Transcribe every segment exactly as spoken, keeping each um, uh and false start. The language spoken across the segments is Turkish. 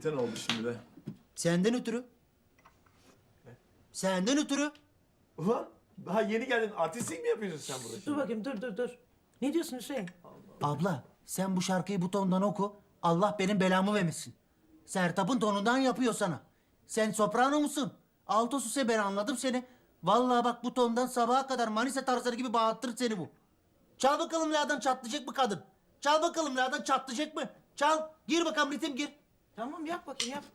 Neden oldu şimdi de? Senden ötürü. Senden ötürü. Ulan daha yeni geldin. Artistlik mi yapıyorsun sen burada Dur şimdi? bakayım dur dur dur. Ne diyorsun Hüseyin? Abla sen bu şarkıyı bu tondan oku. Allah benim belamı vermesin. Sertab'ın tonundan yapıyor sana. Sen soprano musun? Altosuse ben anladım seni. Vallahi bak bu tondan sabaha kadar Manisa tarzları gibi bağırtır seni bu. Çal bakalım la'dan çatlayacak mı kadın? Çal bakalım la'dan çatlayacak mı? Çal. Gir bakalım ritim gir. Tamam yap bakayım yap.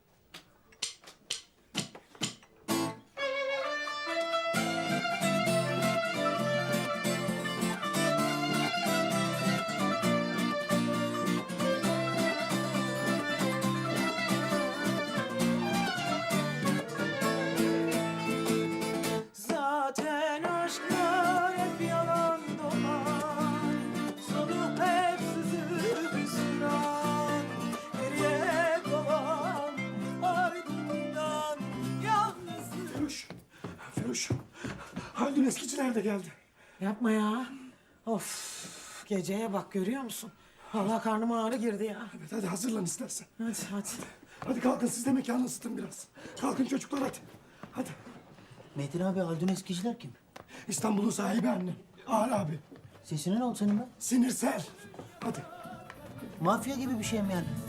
Zaten aşklar hep yalan dolan, sonu hep sızıp hüsran. Geriye kalan ardından yalnızlık. Firuş, Firuş. Haldun eskiciler de geldi. Yapma ya. Of, geceye bak görüyor musun? Vallahi karnıma ağrı girdi ya. Evet hadi hazırlan istersen. Hadi hadi. Hadi kalkın siz de mekanı ısıtın biraz. Kalkın çocuklar hadi. Hadi. Metin abi Haldun Eskiciler kim? İstanbul'un sahibi annem. Ağır abi. Sesine ne oldu senin be? Sinirsel. Hadi. Mafya gibi bir şey mi yani?